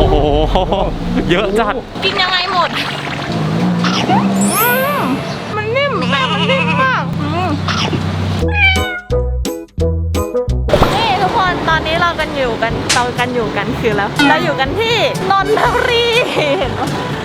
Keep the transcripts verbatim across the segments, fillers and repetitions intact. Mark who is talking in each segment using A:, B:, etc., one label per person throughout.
A: โอ้โหเยอะจัด
B: กินยังไงหมดมันนิ่มแป้งมันนิ่มมากนี่ทุกคนตอนนี้เรากันอยู่กันเรากันอยู่กันคือแล้วเราอยู่กันที่นนทบุรีเห็นไหม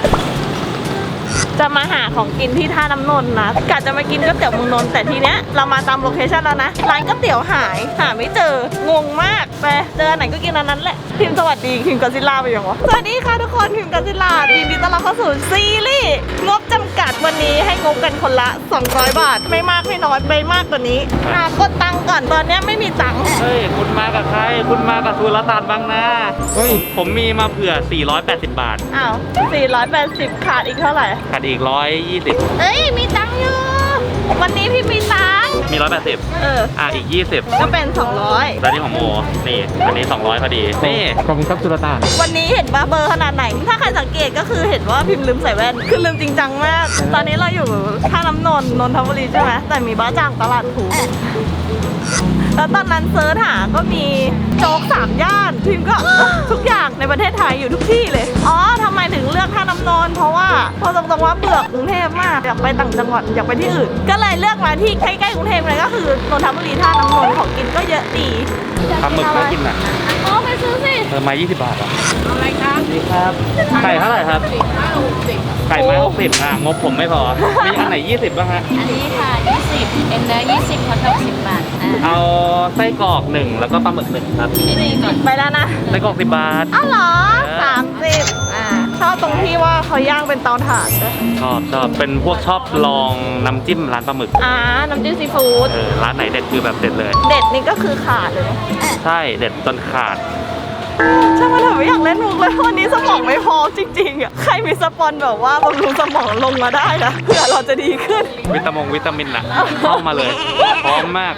B: จะมาหาของกินที่ท่าน้ำนนท์นะกะจะมากินก๋วยเตี๋ยวเมืองนนท์แต่ทีเนี้ยเรามาตามโลเคชั่นแล้วนะร้านก๋วยเตี๋ยวหายหาไม่เจองงมากไปเจอไหนก็กินอันนั้นแหละพิมพ์สวัสดีพิมพ์กอซิลล่าไปยังวะสวัสดีค่ะทุกคนพิมพ์กอซิลล่ายินดีต้อนรับเข้าสู่ซีรีส์งบจำกัดวันนี้ให้งบกันคนละสองร้อยบาทไม่มากไม่น้อยไปมากกว่านี้อ่ะกดตังค์ก่อนตอนนี้ไม่มีตังค์
A: เฮ้ยคุณมากับใครคุณมากับสุรตานบางนาเฮ้ยผมมีมาเผื่อสี่ร้อยแปดสิบบาท
B: อ้าวสี่ร้อยแปดสิบขาดอีกเท่าไหร่
A: ขาดอีกร้อยยี่สิบ
B: เอ้ยมีตังค์อยู่วันนี้พี่มีตังค์
A: มีร้อยแปดสิบ
B: เออ
A: อ่ะอีกยี่สิบ
B: ก็เป็นสองร้อย
A: แล้วนี่ของโมนี่อันนี้สองร้อยพอดีนี่ขอบคุณครับสุรตาน
B: วันนี้เห็นบาเบอร์ขนาดไหนถ้าใครสังเกตก็คือเห็นว่าพิมพ์ลืมใส่แว่นคือลืมจริงจังมากตอนนี้เราอยู่ท่าน้ำนนท์นนทบุรีใช่ไหมแต่มีบ้าจ่างตลาดถูกแล้วตอนนั้นเซิร์ชหาก็มีโจ๊กสามย่านพิมก็ทุกอย่างในประเทศไทยอยู่ทุกที่เลยอ๋อทำไมถึงเลือกท่าน้ำนนท์เพราะว่าพอตรงๆว่าเบื่อกรุงเทพมากอยากไปต่างจังหวัดอยากไปที่อื่นก็เลยเลือกมาที่ใกล้ๆกรุงเทพเลยก็คือนนทบุรีท่าน้ำนนท์ของกินก็เยอะดี
A: ปลาหมึกน่ากินอ่ะ
B: อ๋อไปซื้อสิ
A: เออไม้ยี่สิบบาทอ่ะ
B: อะไรครับ
A: ดีครับไก่เท่าไหร่ครับไก่ไม้หกสิบอ่ะงบผมไม่พอมีอันไหนยี่สิบบ้างฮะ
C: อันนี้ค่ะยี่สิบเอ็นเนื้อยี่สิบฮอทดอกสิบบาท
A: เอาไส้กรอกหนึ่งแล้วก็ปลาหมึกหนึ่งครับ
C: นี่ก่อน
B: ไปแล้วนะ
A: ไส้กรอกสิบบาท
B: อ้าวเหรอสามสิบอ่าชอบตรงที่ว่าเขาย่างเป็นเตาถ่านด้วย
A: ชอบชอบเป็นพวกชอบลองน้ำจิ้มร้านปลาหมึก
B: อ่าน้ำจิ้มซีฟู้ด
A: เออร้านไหนเด็ดคือแบบเด็ดเลย
B: เด็ดนี่ก็คือขาดเลย
A: ใช่เด็ดจนขาด
B: ช่างมันเถอะไม่อยากเล่นมุกเลยวันนี้สมองไม่พอจริงๆอ่ะใครมีสปอนแบบว่าบำรุงสมองลงมาได้นะเพื่อเราจะดีขึ้น
A: วิตามงวิตามินอ่ะเข้ามาเลยพร้อมมาก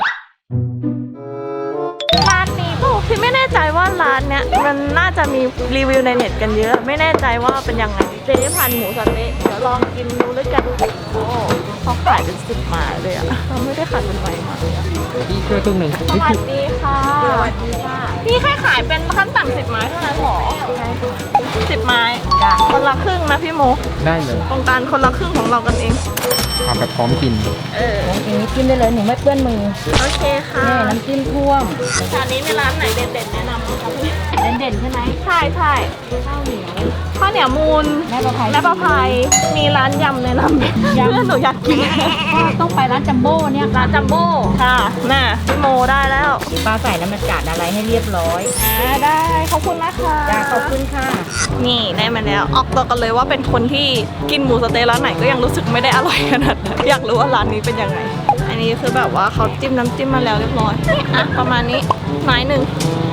B: ร้านนี้ปุ๊บพี่ไม่แน่ใจว่าร้านเนี้ยมันน่าจะมีรีวิวในเน็ตกันเยอะไม่แน่ใจว่าเป็นยังไงเจ๊พันหมูสะเต๊ะเดี๋ยวลองกินดูแล้วกันโอ้เขาขายเป็นสิบไม้เลยอ่ะเราไม่ได้ขายเป็นใบมาเลยอ่ะ
A: พี่ช่วยครึ่งหนึ่ง
B: สวัสดีค่ะสวัสดีค่ะพี่แค่ขายเป็นขั้นต่ำสิบไม้เท่านั้นหรอสิบไม้คนละครึ่งนะพี่โม
A: ได้เลย
B: โครงการคนละครึ่งของเรากันเอง
A: ทำแบบพร้อมกิน
B: เออ
C: อย่างนี้กินได้เลยหนูไม่เปื้อนมือ
B: โอเคค่ะ
C: นี่น้ำจิ้มท่วม
B: ตอนนี้มีร้านไหนเด่นๆแนะนำไหมคะพี่
C: เด่นๆใช่ไหม
B: ใช่ใช่
C: ข้าวเหนียว
B: ข้าวเหนียวมูล
C: แม่ประภัย
B: แม่ประภัยมีร้านยำแนะนำเพื่อนหนูอยากกิน
C: ก็ต้องไปร้านจัมโบ้เนี่ย
B: ร้านจัมโบ้ค่ะแม่พี่โมได้แล้ว
C: ป้าใส่น้ำมันกาดอะไรให้เรียบร้อย
B: อ่าได้ขอบคุณนะคะ
C: จ้าขอบคุณค่ะ
B: นี่ได้มาแล้วออกตัวกันเลยว่าเป็นคนที่กินหมูสะเต๊ะร้านไหนก็ยังรู้สึกไม่ได้อร่อยขนาดนั้นอยากรู้ว่าร้านนี้เป็นยังไงอันนี้คือแบบว่าเขาจิ้มน้ำจิ้มมาแล้วเรียบร้อยอ่ะประมาณนี้ไม้หนึ่ง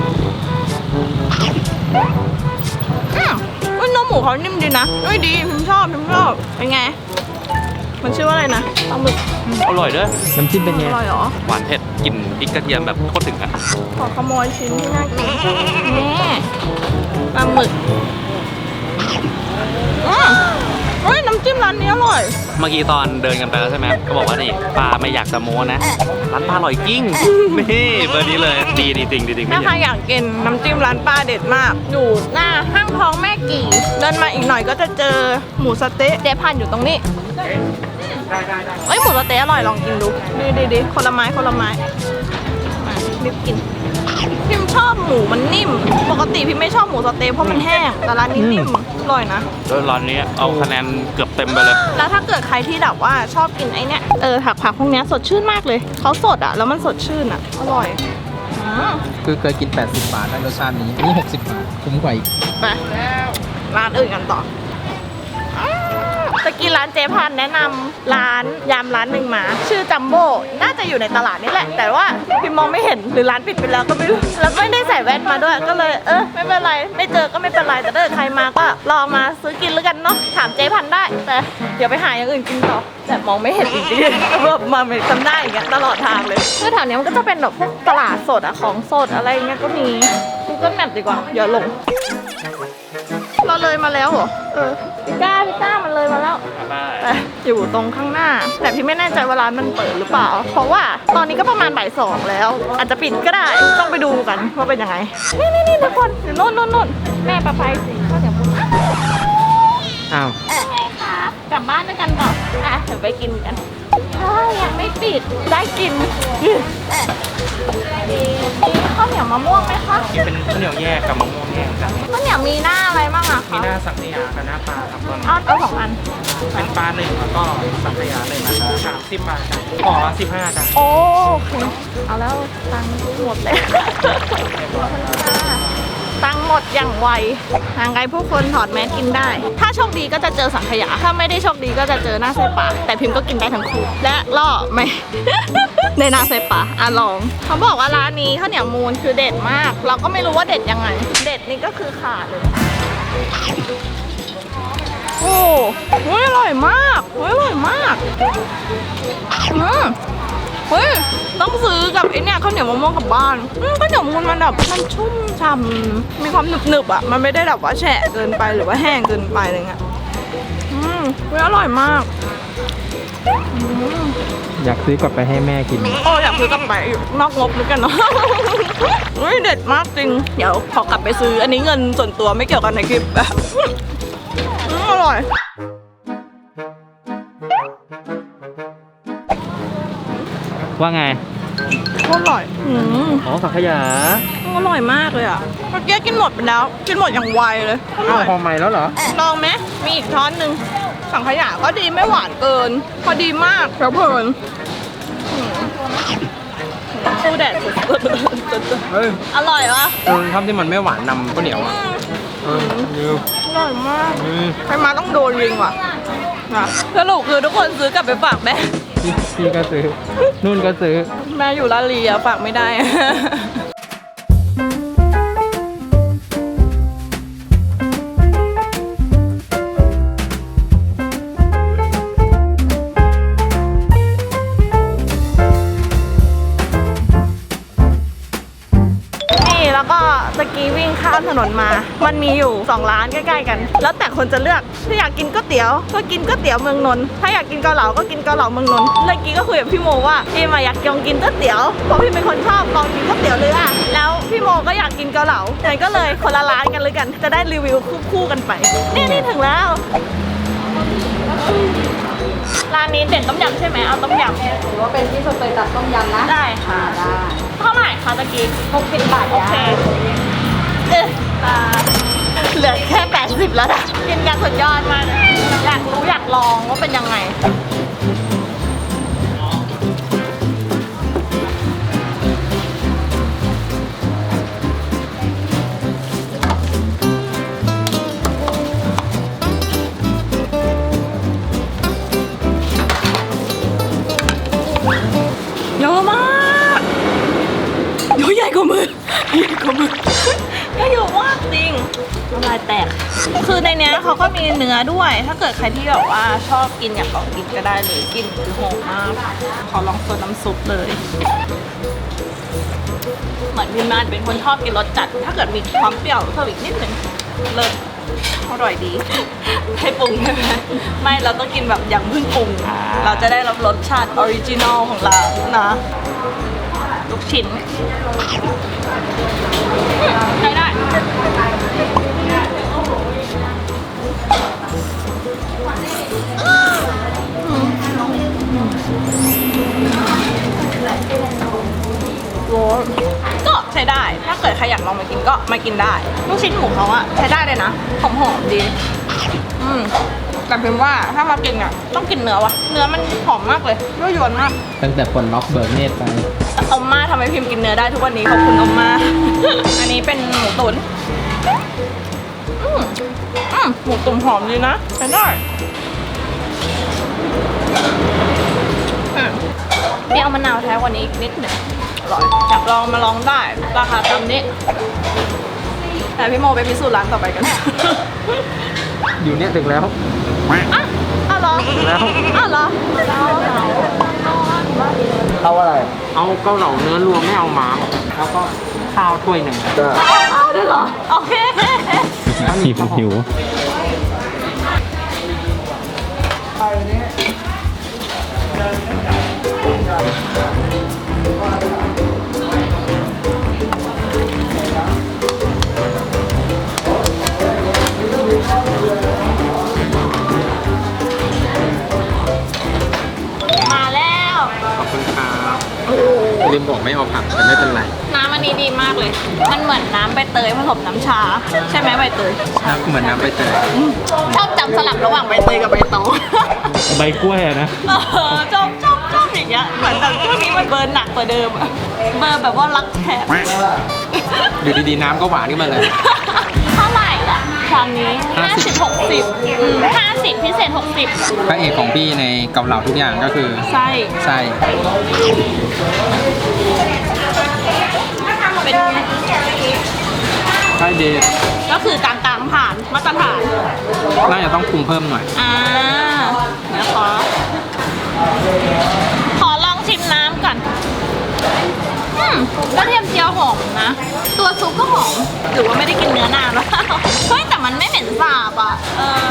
B: อืมอุ้ยน้ำหมูเขานิ่มดีนะอุ้ยดีพิมชอบพิมชอบเป็นไงมันชื่อว่าอะไรนะปลาหมึก
A: อร่อยด้วยน้ำจิ้มเป็นไง
B: อร่อยเหรอ
A: หวานเผ็ดกลิ่นพริกกระเทียมแบบโคตรถึงอ่ะ
B: ขอขโมยชิ้นที่น่ากินนี่ปลาหมึกอืมเฮ้ยน้ำจิ้มร้านนี้อร่อย
A: เมื่อกี้ตอนเดินกันไปแล้วใช่ไหมก็บอกว่านี่ปลาไม่อยากจะโม้นะร้านปลาอร่อยจริงนี่เบอร์นี้เลยดีดีจริงดีจริง
B: ถ้าใครอยากกินน้ำจิ้มร้านป้าเด็ดมากอยู่หน้าห้างทองแม่กี่เดินมาอีกหน่อยก็จะเจอหมูสะเต๊ะเจ๊พันอยู่ตรงนี้
A: ได้ได้ได้
B: เอ้ยหมูสะเต๊ะอร่อยลองกินดูดีดีดีคนละไม้คนละไม้มารีบกินพิมชอบหมูมันนิ่มปกติพิมไม่ชอบหมูสะเต๊ะเพราะมันแห้งแต่ร้านนี้นิ่มอร่อยนะ
A: แล้วร้านนี้เอาคะแนนเกือบเต็มไปเลย
B: แล้วถ้าเกิดใครที่แบบว่าชอบกินไอ้นี่เออผักผักพวกนี้สดชื่นมากเลยเขาสดอ่ะแล้วมันสดชื่นอ่ะอร่อย
D: คือเคยกินแปดสิบบาทได้รสชาตินี้นี่หกสิบบาทคุ้มกว่าอีก
B: ไปร้านอื่นกันต่อตะกี้ร้านเจ๊พันแนะนำร้านยำร้านหนึ่งมาชื่อจัมโบ้น่าจะอยู่ในตลาดนี่แหละแต่ว่าพิมมองไม่เห็นหรือร้านปิดไปแล้วก็ไม่รู้แล้วไม่ได้ใส่แว่นมาด้วยก็เลยเออไม่เป็นไรไม่เจอก็ไม่เป็นไรแต่ถ้าใครมาก็ลองมาซื้อกินแล้วกันเนาะถามเจ๊พันได้แต่เดี๋ยวไปหาอย่างอื่นกินต่อแต่มองไม่เห็นจริงๆแบบมาไม่จำได้อย่างเงี้ยตลอดทางเลยคือแถวนี้มันก็จะเป็นแบบพวกตลาดสดอะของสดอะไรเงี้ยก็มี Google Map ดีกว่าอย่าหลงเราเลยมาแล้วเหรอเออพี่ก้าพี่ก้ามันเลยมาแล้วแต่อยู่ตรงข้างหน้าแต่พี่ไม่แน่ใจว่าร้านมันเปิดหรือเปล่าเพราะว่าตอนนี้ก็ประมาณบ่ายสองแล้วอาจจะปิดก็ได้ต้องไปดูกันว่าเป็นยังไงนี่นี่นี่ทุกคนอยู่โน่นโน่นโน่นแม่ประภัยสินค้าาวเหนียวมูน
D: อ้าว
B: ครับกลับบ้านด้วยกันก่อนอ่ะเดี๋ยวไปกินกันได้ยังไม่ปิดได้กินมีข้าวเหนียวมะม่วงไหมคะ
A: นี่เป็นข้าวเหนียวแยกกับมะม่วงแยกกัน
B: ข้าวเหนียวมีหน้าอะไรบ้างอะ
A: มี
B: คะ
A: หน้าสังขยากับหน้าปลาครับตอนนี้
B: เอาเอาสองอัน
A: เป็นปลาหนึ่งแล้วก็สังขยาหนึ่งนะครับสามสิบบาทครับห่อละสิบห้าจ้ะ
B: โอเคเอาแล้วตังค์หมดเลยตังค์หมดอย่างไวทางไกลผู้คนถอดแมสกินได้ ถ้าโชคดีก็จะเจอสังขยา ถ้าไม่ได้โชคดีก็จะเจอหน้าไส้ป่าแต่พิมพ์ก็กินได้ทั้งคู่และล่อไม่ ในหน้าไส้ป่าอ่ะลองเขาบอกว่าร้านนี้ข้าวเหนียวมูนคือเด็ดมาก เราก็ไม่รู้ว่าเด็ดยังไง เด็ดนี่ก็คือขาดเลย โอ้เฮ้ยอร่อยมากเฮ้ยอร่อยมากอืมเฮ้ยต้องซื้อกับไอเนี่ยข้าวเหนียวมะม่วงกลับบ้านอืมข้าวเหนียวมูนมันแบบมันชุ่มฉ่ำมีความหนึบหนึบๆอ่ะมันไม่ได้แบบว่าแฉะเกินไปหรือว่าแห้งเกินไปอะไรเงี้ยอืมเฮ้ยอร่อยมากอืม
D: อยากซื้อกลับไปให้แม่กิน
B: โอ้อยากซื้อกลับไปนอกงบเหมือนกันเนาะ เฮ้ยเด็ดมากจริงเดี๋ยวขอกลับไปซื้ออันนี้เงินส่วนตัวไม่เกี่ยวกันในคลิปแบบอืมอร่อย
A: ว่าไง
B: อร่อยอืม
A: อ๋อสังขยา
B: อร่อยมากเลยอ่ะเมื่อกี้กินหมดไปแล้ว กินหมดอย่างไวเลยอ
D: อ้า
B: ร่
D: ว
B: อย
D: พอใหม่แล้วเหรอ
B: ลองไหมมีอีกช้อนหนึ่งสังขยาก็ดีไม่หวานเกิน พอดีมากแล้วเพลินอืมสู้แดดสุด
D: เฮ้ย
B: ๆอร่อยวะ
D: เออชอบที่มันไม่หวานนำข้าวเหนียวอ่ะ เออยืม
B: อร่อยมาก
D: อืม
B: ใครมาต้องโดนยิงว่ะนะสรุปคือทุกคนซื้อกลับไปฝากแม่
D: พี่พี่ก็ซื้อ นุ่นก็ซื้อ
B: แม่อยู่ลาลีอะฝากไม่ได้ นี่แล้วก็ตะกี้วิ่งข้ามถนนมา มันมีอยู่สองร้านใกล้ๆกัน แล้วแต่คนจะเลือก ถ้าอยากกินก๋วยเตี๋ยวก็กินก๋วยเตี๋ยวเมืองนนท์ถ้าอยากกินเกาเหลาก็กินเกาเหลาเมืองนนท์เมื่อกี้ก็คุยกับพี่โมว่าพี่มาอยากลองกินก๋วยเตี๋ยวเพราะพี่เป็นคนชอบลองกินก๋วยเตี๋ยวเรือแล้วพี่โมก็อยากกินเกาเหลาฉะนั้นก็เลยคนละร้านกันเลยกัน จะได้รีวิวคู่ๆกันไป นี่นี่ถึงแล้ว ร้านนี้เด็ดต้มยำใช่ไหมเอาต้มยำ
C: หรือว่าเป็นที่สเตยตัดต้มยำนะ
B: ได้ค่ะ
C: ได้
B: เท่าไหร่คะตะกี้
C: หกสิบบาท
B: โอเค เอ๊ะตาเหลือแค่แปดสิบแล้วนะกินกันสุดยอดมากเลยอยากรู้อยากลองว่าเป็นยังไง เยอะมากเยอะใหญ่กว่ามือใหญ่กว่ามือเยอะมากจริงน้ำลายแตก คือในเนี้ยเขาก็มีเนื้อด้วย ถ้าเกิดใครที่แบบว่าชอบกินอยากลองกินก็ได้เลยกลิ่นคือหอมมากขอลองตัวน้ำซุปเลย เหมือนพิมพ์มาเป็นคนชอบกินรสจัด ถ้าเกิดมีความเปรี้ยวเพิ่มอีกนิดหนึ่งเลิศอร่อยดี ให้ปรุงใช่ไหมไม่เราต้องกินแบบอย่างเพิ่งปรุง เราจะได้รับรสชาติออริจินอลของเรานะลูกชิ้นใช้ได้โว้ก็ใช้ได้ ถ้าเกิดใครอยากลองมากินก็มากินได้ ลูกชิ้นหมูเขาอะใช้ได้เลยนะ หอมๆดี อืมแต่เป็นว่าถ้ามากินอะต้องกินเนื้อวะเนื้อมันหอมมากเลยยั่วยวนมาก
D: ตั้งแต่ปลดล็อกเบิร์กเนตรไป
B: อมมาทำให้พิมพ์กินเนื้อได้ทุกวันนี้ขอบคุณอมมา อันนี้เป็นหมูตุ๋นอืมอืมหมูตุ๋นหอมดีนะใช้ได้อืมเปรี้ยวมะนาวแท้กว่านี้อีกนิดหนึ่งอร่อยอยากลองมาลองได้ราคาตามนี้แต่พี่โมไปพิสูจน์ร้านต่อไปกัน
D: อยู่เนี่ยถึงแล้ว
B: อ่ะอ้าวเหรอ
D: แล้ว
B: อ้าวเหรอ
D: เอาอะไร เอาเกาเหลาเนื้อรวมไม่เอาหมาแล้วก็ข้าวถ้วยหนึ่งก็
B: อ้าวด้วยเหรอโอเค
A: หิวหิว
D: ลืมบอกไม่เอาผักแต่ไม่เป็นไร
B: น้ำอันนี้ดีมากเลย มันเหมือนน้ำใบเตยผสมน้ำชา ใช่ไหมใบเตย
D: น้ำเหมือนน้ำใบเตย
B: ชอบจำสลับระหว่างใบเตยกับใบตอง
A: ใบกล้วยอะนะ
B: เออชอบชอบชอบอย่างเงี้ยเหมือนแต่ช่วงนี้มันเบิร์นหนักกว่าเดิมอะเบิร์นแบบว่ารักแท้
D: อยู่ดีๆน้ำก็หวานขึ้นมาเลย
B: เท่าไหร่ล่ะชามนี้ห้าสิบหกสิบห้าสิบพิเศษหกสิบ
D: พระเอกของพี่ในเกาเหลาทุกอย่างก็คือ
B: ไส้
D: ไส้
B: เป็นไง
D: ไส้เด็ด
B: ก็คือกลางๆผ่านมาตรฐาน
D: น่าจะต้องปรุงเพิ่มหน่อย
B: อ่าเดี๋ยวขอ ขอลองชิมน้ำก่อน อืมกระเทียมเจียวหอมนะ ตัวซุปก็หอมหรือว่าไม่ได้กินเนื้อนานแล้ว เฮ้ยแต่มันไม่เหม็นสาบอ่ะ เออ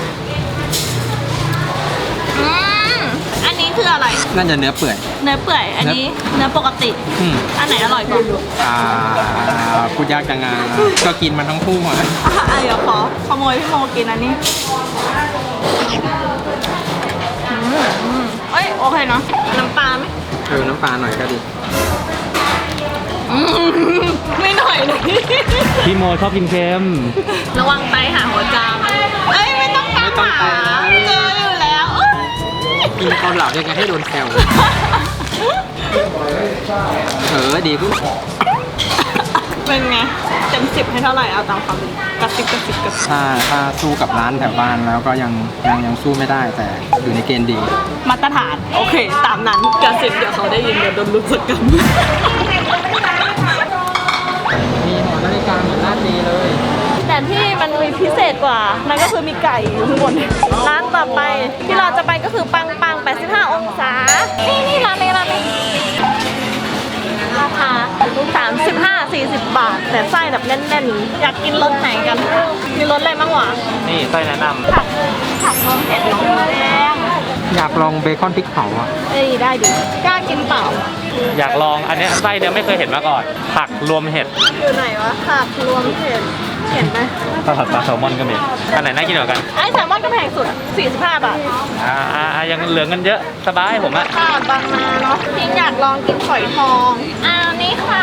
B: อืม อันนี้คืออะไร
D: น่าจะเนื้อเปื่อย
B: เนื้อเปื่อย อันนี้เนื้อปกติ
D: อืม
B: อันไหนอร่อยกว่า
D: อ่าพูดยากจังงาก็กินมันทั้งคู่อ่ะ
B: อ่ะเดี๋ยวขอขโมยพี่โมกินอันนี้อืมอืมเอ้ยโอเคเนาะน้ำปลาไหม
D: เออน้ำปลาหน่อยก็ดี
B: อืมไม่หน่อยเลย
A: พี่โมชอบกินเค็ม
B: ระวังไตหาหัวจามเอ้ยไม่ต้องตามหาเจออยู่แล้วอุ๊ย
D: กินเกาเหลายังไงให้โดนแซวเออดีปุ๊บ
B: เป็นไงเต็มสิบให้เท่าไหร่เอาตามความเป็นกระซิบกระซิบกระซิบ
D: ถ้าถ้าสู้กับร้านแถวบ้านแล้วก็ยังยังยังสู้ไม่ได้แต่อยู่ในเกณฑ์ดี
B: มาตรฐานโอเค ตามนั้นกระซิบเดี๋ยวเขาได้ยินเดี๋ยวโดนลุกสกกัน
D: มีหอนาฬิกาเหมือนร้านดีเลย
B: แต่ที่มันมีพิเศษกว่านั่นก็คือมีไก่อยู่ข้างบนร้านต่อไปที่เราจะไปก็คือปังปังแปดสิบห้าองศานี่นี่ร้านนี้ร้านนี้ราคาสามสิบห้า สี่สิบบาท แต่ไส้แบบแน่นๆ อยากกินรสไหนกัน มีรสอะไรบ้างวะ
A: นี่ไส้แนะน
B: ผักผักนมเผ็ดนมแดง
D: อยากลองเบคอนพริกเผาอ่ะ
B: เอ้ยได้ดิกล้ากินเปล่า
A: ำอยากลองอันเนี้ยไส้เนี้ยไม่เคยเห็นมาก่อน ผักรวมเห็ด
B: อยู่ไหนวะผักรวมเผ็ดเห็นไหม
A: สลัดปลาแซลมอนก็มี อันไหนน่ากินกว่ากัน
B: ไอ้แซลมอนก็แพงสุดสี่สิบห้าบาท
A: อ่าอ่าอ่ายังเหลือเงินเยอะสบายผมอะ
B: ค่ะบางนาเนาะพิงอยากลองกินฝอยทองอ่านี่ค่ะ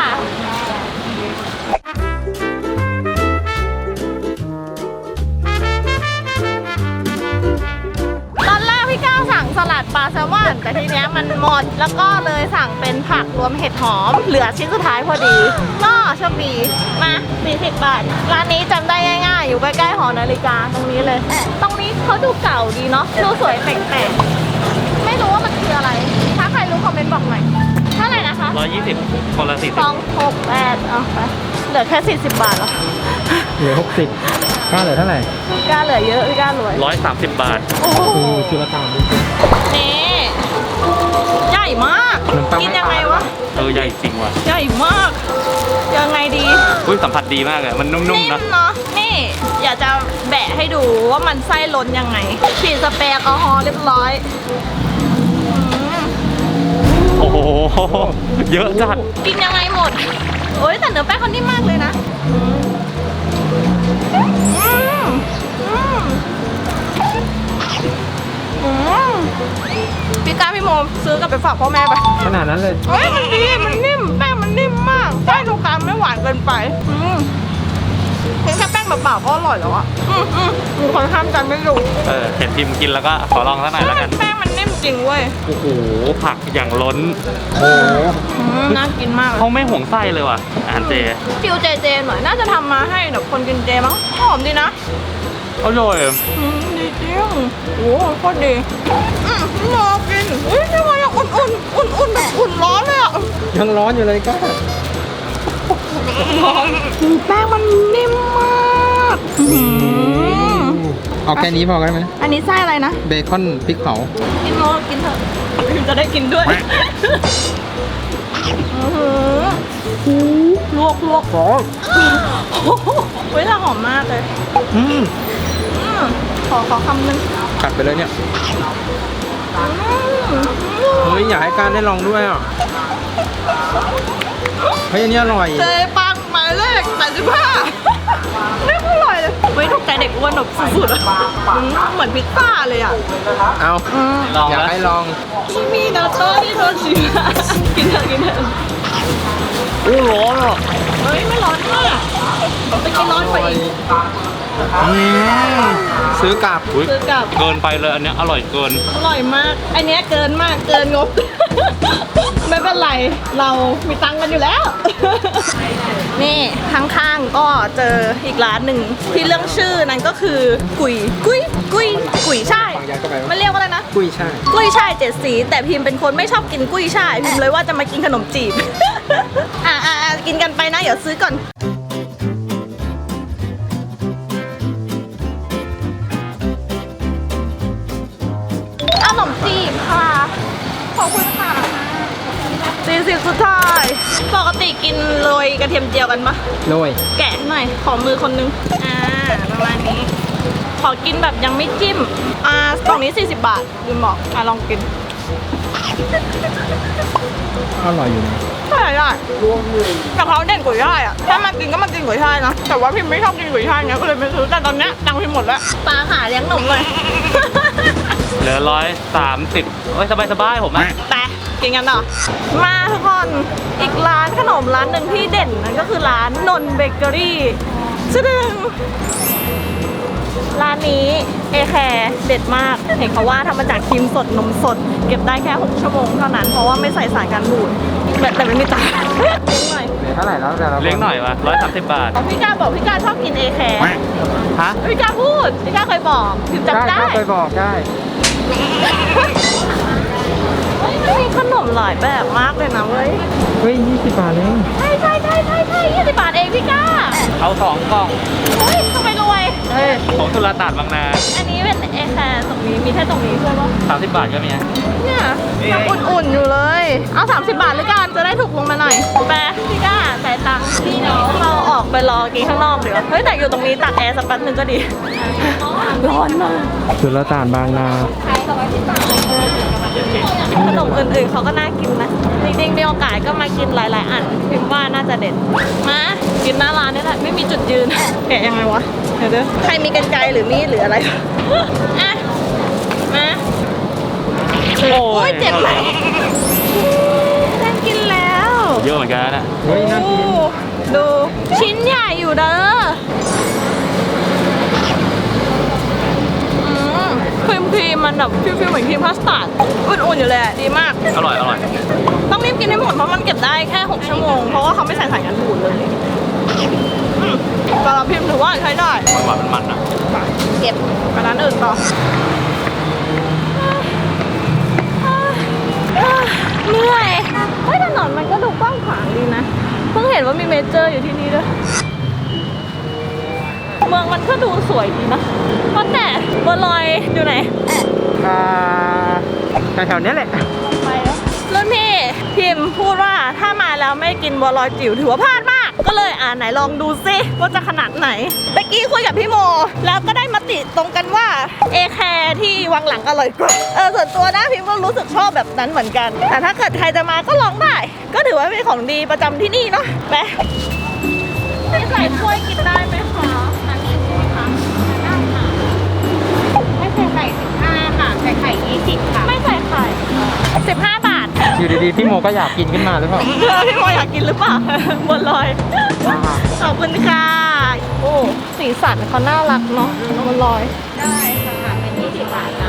B: ตอนแรกพี่ก้าวสั่งสลัดปลาแซลมอน แต่ทีเนี้ยมันหมด แล้วก็เลยสั่งเป็นผักรวมเห็ดหอม เหลือชิ้นสุดท้ายพอดีก็โชคดีมาสี่สิบบาท ร้านนี้จำได้ง่ายๆ อยู่ใกล้ๆหอนาฬิกาตรงนี้เลย ตรงนี้เขาดูเก่าดีเนาะ ดูสวยแปลกๆ ไม่รู้ว่ามันคืออะไร ถ้าใครรู้คอมเมนต์บอกหน่อย เท่าไหร่นะคะ
A: ร้อยยี่สิบคนละสี่
B: ส
A: สิบ
B: องหกแปดเอาไป เหลือแค่สี่สิบบาทเหรอ
D: เหลือหกสิบค่าเหลือเท่าไหร่
B: พี่ก้าเหลือเยอะพี่ก้ารวย
A: ร้อยสามสิบบาท
B: โอ้โห
D: คือละตาม
B: นี่ใหญ่มาก กินยังไงวะ
A: เออใหญ่จริงว่ะ
B: ใหญ่มาก ยังไงดี
A: อุ้ยสัมผัสดีมากเลยมันนุ่ม
B: นิ่
A: ๆ
B: ม
A: นะ
B: เนาะ นี่ อยากจะแบะให้ดูว่ามันไส้ล้นยังไง ฉีดสเปรย์แอลกอฮอล์เรียบร้อยอืม
A: โอ้โห เยอะจัด
B: กินยังไงหมด โอ้ยแต่เนื้อแป้งเขานิ่มมากเลยนะอืมอืมอืมอืมพี่ก้าพี่โมซื้อกลับไปฝากพ่อแม่ไป
D: ขนาดนั้นเลย
B: เฮ้ยมันดี มันนิ่ม แป้งมันนิ่มมากไส้ตรงกลางไม่หวานเกินไป อืมเพียงแค่แป้งเปล่าๆก็อร่อยแล้วอ่ะ อืมอืมมีคนห้ามกันไม่รู้
A: เออเห็นพิมพ์กินแล้วก็ขอลองสักหน่อยแล้วกัน
B: แป้งมันนิ่มจริงเว้ย
A: โอ้โห ผักอย่างล้น
D: โอ้โห
B: อืมน่ากินมากเลย
A: เขาไม่ห่วงไส้เลยว่ะ อาหารเจ
B: ฟิวเจเจหน่อย น่าจะทำมาให้แบบคนกินเจมั้ง หอมดีนะ
A: อร่อย
B: อืมดีจริงโอ้โหโคตรดี อืมรอกินอุ้ยทำไมอ่ะอุ่นอุ่นอุ่นอุ่นแบบอุ่นร้อนเลยอ่ะ
D: ยังร้อนอยู่เลยก็
B: ร้อนแป้งมันนิ่มมากอื้อหือ
D: เอาแค่นี้พอได้ไหม
B: อันนี้ไส้อะไรนะ
D: เบคอนพริกเผา
B: กินโมกินเถอะพิมจะได้กินด้วยอื้อหือลวกลวก
D: ขอ
B: เฮ้ยถ้าหอมมากเลย
D: อืม
B: อืมขอขอคำนึง
D: กัดไปเลยเนี่ย
B: อืม
D: เฮ้ย อยากให้การได้ลองด้วยอ่ะ เฮ้ย อันนี้อร่อย
B: เจปังหมายเลขแปดสิบห้าไม่อร่อยเลยเฮ้ยถูกใจเด็กอ้วนแบบสุดๆอะอืมเหมือนพิซซ่าเลยอ่ะ
D: เอา
B: อืม
A: ลอง
D: อยาก
A: แล้ว
D: ให้ลอง
B: คิมินาโต้ที่โทชิมะกินเถอะกินเถอะ
A: โอ้ร้อนอ่ะ
B: เฮ้ยไม่ร้อนมากไปกินร้อนไปอีก
D: อืมซื้อกลับ
A: อุ๊ย
B: ซื้อกลับ
A: เกินไปเลยอันเนี้ยอร่อยเกิน
B: อร่อยมาก อันเนี้ยเกินมาก เกินงบ ไม่เป็นไร เรามีตังค์กันอยู่แล้ว นี่ข้างๆก็เจออีกร้านหนึ่งที่เรื่องชื่อนั้นก็คือ กุย กุย กุย กุยช่าย
D: ฟังยัดเข้าไป
B: มันเรียกว่าอะไรนะ
D: กุ้ยช่าย
B: กุ้ยช่ายเจ็ดสี แต่พิมพ์เป็นคนไม่ชอบกินกุ้ยช่ายพิมพ์เลยว่าจะมากินขนมจีบ อ่ะอ่ะอ่ะกินกันไปนะ เดี๋ยวซื้อก่อนขนมจีบค่ะ ขอบคุณค่ะสี่สิบสุดท้ายปกติกินโรยกระเทียมเจียวกันปะ
D: โรย
B: แกะหน่อย ขอมือคนนึง อ่า ประมาณนี้ ขอกินแบบยังไม่จิ้ม อ่ากล่องนี้สี่สิบบาทลืมบอกอ่ะลองกิน
D: อร่อยอยู่นะ
B: ใช่ได้แต่เขาเด่นกุยช่ายอ่ะ ถ้ามากินก็มากินกุยช่ายนะ แต่ว่าพิมไม่ชอบกินกุยช่ายไงก็เลยไม่ซื้อ แต่ตอนเนี้ยตังค์พิมหมดแล้วปลาหาเลี้ยงหนุ่มเลย
A: เหลือร้อยสามสิบเอ้ยสบายสบายๆผมอ่ะ
B: แต่กินกันต่อมาทุกคนอีกร้านขนมร้านหนึ่งที่เด่นนั่นก็คือร้านนนเบเกอรี่ซึ่งร้านนี้เอแคร์เด็ดมากเห็นเขาว่าทำมาจากครีมสดนมสด เก็บได้แค่หกชั่วโมงเท่านั้นเพราะว่าไม่ใส่สารกันบูดแต่แต่ไม่มีตังค์เลี้ยงหน่อย
D: เหลือเท่าไหร่แล้วแต่ละคน
A: เลี้ยงหน่อยวะร้อยสามสิบบาท
B: พี่กาบอกพี่กาชอบกินเอแคร์
A: ฮะ
B: พี่กาพูดพี่กาเคยบอกพิมจำได้
D: ได้เคยบอกได้
B: เฮ้ยมันมีขนมหลายแบบมากเลยนะเว้ย
D: เฮ้ยยี่สิบบาทเอง
B: ใช่ใช่ใช่ใช่ใช่ยี่สิบบาทเองพี่ก้า
A: เอาสองกล่อง
B: เฮ้ยทำไมรวย
A: เฮ้ยของสุราตาดบางนา
B: อันนี้เป็นเอแคร์ตรงนี้มีแค่ตรงนี้ใช่ปะ
A: สามสิบบาทก็มีนะ
B: เนี่ย
A: นี่
B: ยังอุ่นๆอยู่เลย เอาสามสิบบาทหรือกันจะได้ถูกลงมาหน่อยแปะพี่ก้าจ่ายตังค์พี่เนาะเราออกไปรอกินข้างนอกเดี๋ยวเฮ้ยแต่อยู่ตรงนี้ตากแอร์สักแป๊บนึงก็ดี ร้อนมาก
D: สุลต่านบางนา
B: ขนมอื่นๆเขาก็น่ากินนะจริงๆมีโอกาสก็มากินหลายๆอันพิมพ์ว่าน่าจะเด็ดมากินหน้าร้านนี่แหละไม่มีจุดยืน แกะยังไงวะเดี๋ยวเด้อใครมีกรรไกรหรือมีดหรืออะไรอ่ะมา
A: โอ้
B: โอ้ยเจ็บไหมน่ากินแล้ว
A: เยอะเหมือนกันนะ
D: เฮ้ยน่ากิน
B: โอ้ดูชิ้นใหญ่อยู่เด้อครีมครีมมันแบบฟิวๆเหมือนครีมพาสต้าอุ่นๆอยู่เลยอะดีมาก
A: อร่อยอร่อย
B: ต้องรีบกินให้หมดเพราะมันเก็บได้แค่หกชั่วโมงเพราะว่าเขาไม่ใส่สารกันบูดเลยอืมสำหรับพิมพ์ถือว่าใช้ได้
A: หวานๆมันๆนะ
B: เก็บไปร้านอื่นต่อเหนื่อยเฮ้ยถนนมันก็ดูกว้างขวางดีนะเพิ่งเห็นว่ามีเมเจอร์อยู่ที่นี่ด้วยเมืองมันก็ดูสวยดีนะเพราะแต่บัวลอยอยู่ไหน
D: อ่าแถวๆเนี้ยแหละ
B: ไปแล้วรุ่นพี่พิมพ์พูดว่าถ้ามาแล้วไม่กินบัวลอยจิ๋วถือว่าพลาดมาก ก็เลยอ่าไหนลองดูซิว่าจะขนาดไหนเมื่อกี้คุยกับพี่โม แล้วก็ได้มติตรงกันว่าเอแคร์ที่วังหลังอร่อยกว่าเออส่วนตัวนะพิมพ์ก็รู้สึกชอบแบบนั้นเหมือนกัน แต่ถ้าเกิดใครจะมาก็ลองได้ ก็ถือว่าเป็นของดีประจำที่นี่เนาะไปไม่ใส่ถ้วยกินได้ไหมคะอันนี้ใช่ไหมคะได้ค่ะไม่ใส่ไข่สิบห้าค่ะใส่ไข่ยี่สิบค่ะไม่ใส่ไข่สิบห้าบาท
D: อยู่ดีๆพี่โมก็อยากกินขึ้นมาหรือเปล่า
B: เออพี่โมอยากกินหรือเปล่า บนลอย ขอบคุณค่ะ โอ้ สีสันเขาน่ารักเนาะบนลอย ได้ค่ะเป็นยี่สิบบาทนะ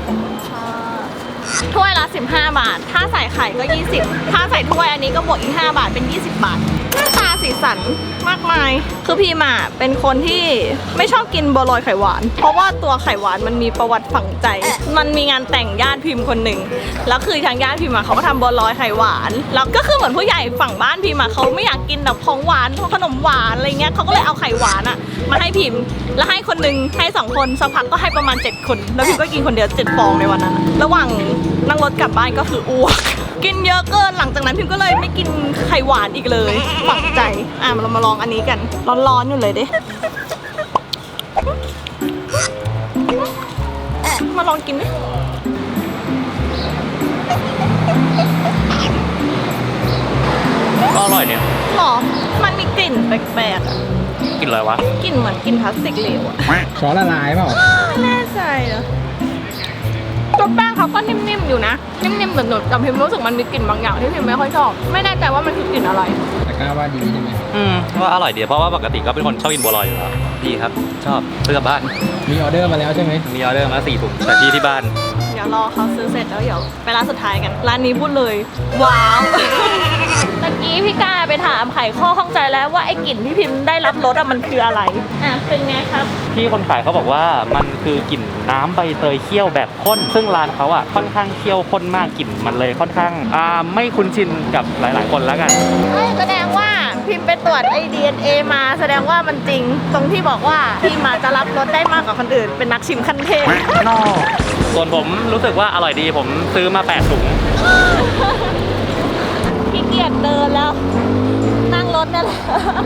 B: ถ้วยละสิบห้าบาท ถ้าใส่ไข่ก็ยี่สิบถ้าใส่ถ้วยอันนี้ก็บวกอีกห้าบาทเป็นยี่สิบบาท หน้าตาสีสันมากมาย คือพี่มาเป็นคนที่ไม่ชอบกินบัวลอยไข่หวาน เพราะว่าตัวไข่หวานมันมีประวัติฝังใจ มันมีงานแต่งญาติพิมพ์คนหนึ่ง แล้วคือทางญาติพิมพ์อะเขาก็ทำบัวลอยไข่หวาน แล้วก็คือเหมือนผู้ใหญ่ฝั่งบ้านพิมพ์อะเขาไม่อยากกินแบบของหวานพวกขนมหวานอะไรเงี้ยเขาก็เลยเอาไข่หวานอะมาให้พิมพ์ แล้วให้คนหนึ่งให้สองคนสักพักก็ให้ประมาณเจ็ดคน แล้วพิมพ์ก็กินคนเดียวเจ็ดฟองในวันนั้นอะระหว่างนั่งรถกลับบ้านก็คืออ้วก กินเยอะเกินหลังจากนั้นพิมก็เลยไม่กินไข่หวานอีกเลยฝังใจ อ่ะเรามาลองอันนี้กัน ร้อนๆอยู่เลยดิมาลองกินดิ
A: ก็อร่อยเนี่ย
B: หรอ มันมีกลิ่นแปลกๆอะ
A: กินอะไรวะ
B: กลิ่นเหมือนกลิ่นพลาสติกเหลวอะ
D: ซอสละลายเปล่า
B: ไม่แน่ใจอะตัวแป้งเขาก็นิ่มๆอยู่นะ นิ่มๆหนึบๆแต่พิมรู้สึกมันมีกลิ่นบางอย่างที่พิมไม่ค่อยชอบ ไม่แน่ใจว่ามันคือกลิ่นอะไร
D: แต่กล้าว่าดีใช่ไหม
A: อืมว่าอร่อยดีเพราะว่าปกติก็เป็นคนชอบกินบัวลอยอยู่แล้วดีครับชอบซื้อกลับบ้าน
D: มีออเดอร์มาแล้วใช่ไหม
A: มีออเดอร์มาสี่ถุงแต่ที่ที่บ้าน
B: เดี๋ยวรอเขาซื้อเสร็จแล้วเดี๋ยวไปร้านสุดท้ายกัน ร้านนี้พูดเลย ว้าว ตะกี้พี่ก้าไปถามไขข้อข้องใจแล้วว่าไอ้กลิ่นที่พิมพ์ได้รับรสอะมันคืออะไร อ่ะ เป็นไงครับ
A: พี่คนขายเขาบอกว่ามันคือกลิ่นน้ำใบเตยเคี่ยวแบบข้น ซึ่งร้านเขาอ่ะค่อนข้างเคี่ยวข้นมากกลิ่นมันเลยค่อนข้างอ่าไม่คุ้นชินกับหลาย ๆ คนแล้วกัน
B: เอ้ยแสดงว่าพิมพ์ไปตรวจไอ ดี เอ็น เอ มาแสดงว่ามันจริง ตรงที่บอกว่าพิมพ์มาจะรับรสได้มากกว่าคนอื่น เป็นนักชิมขั้นเทพ
A: นอกส่วนผมรู้สึกว่าอร่อยดีผมซื้อมาแปดถุง
B: ขี้เกียจเดินแล้ว นั่งรถนี่แหละ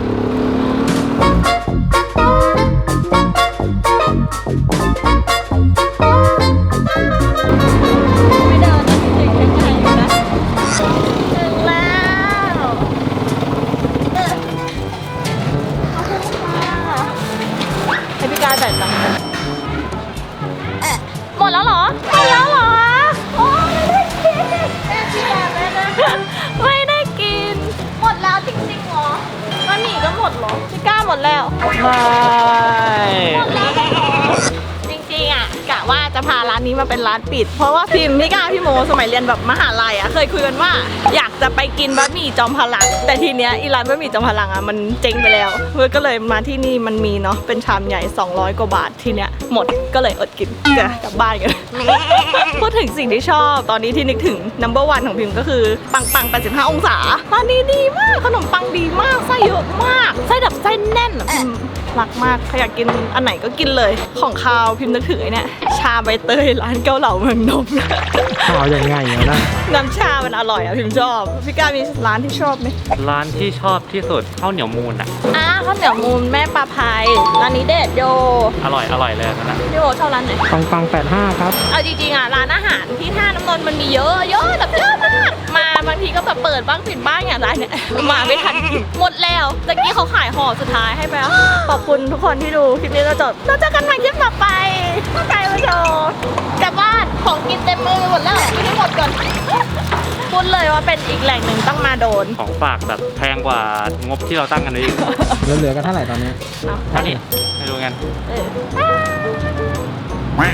B: ไม่เดินนะจริงๆยังไงอยู่นะถึงแล้วเออขอบคุณค่ะให้พี่กายจ่ายตังค์กันเอ๊ะหมดแล้วเหรอ หมดแล้วเหรอ โอ้ไม่ได้กินแม่พี่กายไม่ได้ไม่ได้กิน หมดแล้วจริงๆเหรอมันหมี่ก็หมดเหรอพี่ก้าหมดแล้ว
A: ไม่
B: หมดแล้วเหรอจริงๆอ่ะกะว่าจะพาร้านนี้มาเป็นร้านปิด เพราะว่าพิมพ์พี่ก้าพี่โมสมัยเรียนแบบมหาลัยอ่ะเคยคุยกันว่า อยากจะไปกินบะหมี่จอมพลัง แต่ทีเนี้ยอีร้านบะหมี่จอมพลังอ่ะมันเจ๊งไปแล้วเพื่อก็เลยมาที่นี่มันมีเนาะเป็นชามใหญ่สองร้อยกว่าบาททีเนี้ยหมดก็เลยอดกินเดี๋ยวกลับบ้านกัน พูดถึงสิ่งที่ชอบตอนนี้ที่นึกถึง นัมเบอร์วัน ของพิมก็คือปังปังแปดสิบห้าองศาร้านนี้ดีมากขนมปังดีมากไส้เยอะมากไส้แบบไส้แน่นอะพิมรักมากใครอยากกินอันไหนก็กินเลยของคาวพิมนึกถึงไอ้เนี่ยชาใบเตยร้านเกาเหลาเมืองนม
D: ข่าวยังไงอะนะ
B: น้ำชามันอร่อยอ่ะพิมชอบพี่ก้ามีร้านที่ชอบไหม
A: ร้านที่ชอบที่สุดข้าวเหนียวมูนอ่ะ
B: อ่าข้าวเหนียวมูลแม่ปลาภัยร้านนี้เด็ดโย
A: อร่อยอร่อยเลยนะ
B: พี่โอชอบร้านไหน
D: ปังปังแปดห้าครับ
B: เอาจริงๆอ่ะร้านอาหารที่ท่าน้ำนนท์มันมีเยอะเยอะแบบเยอะมากมาบางทีก็แบบเปิดบ้างปิดบ้างอย่างร้านเนี่ย มาไม่ทันกินหมดแล้วตะกี้เขาขายห่อสุดท้ายให้ไปแล้ว ขอบคุณทุกคนที่ดูคลิปนี้เราจบเราเจอกันใหม่คลิปต่อไปเข้าใจมาโชว์กลับบ้านของกินเต็มมือหมดแล้วกินให้หมดก่อน พูดเลยว่าเป็นอีกแหล่งหนึ่งต้องมาโดน
A: ของฝากแบบแพงกว่างบที่เราตั้งกันไว้อีก
D: แล้วเหลือกันเท่าไหร่ตอนนี้
B: เอา
A: เท่านี้ไปดูกัน
B: เออ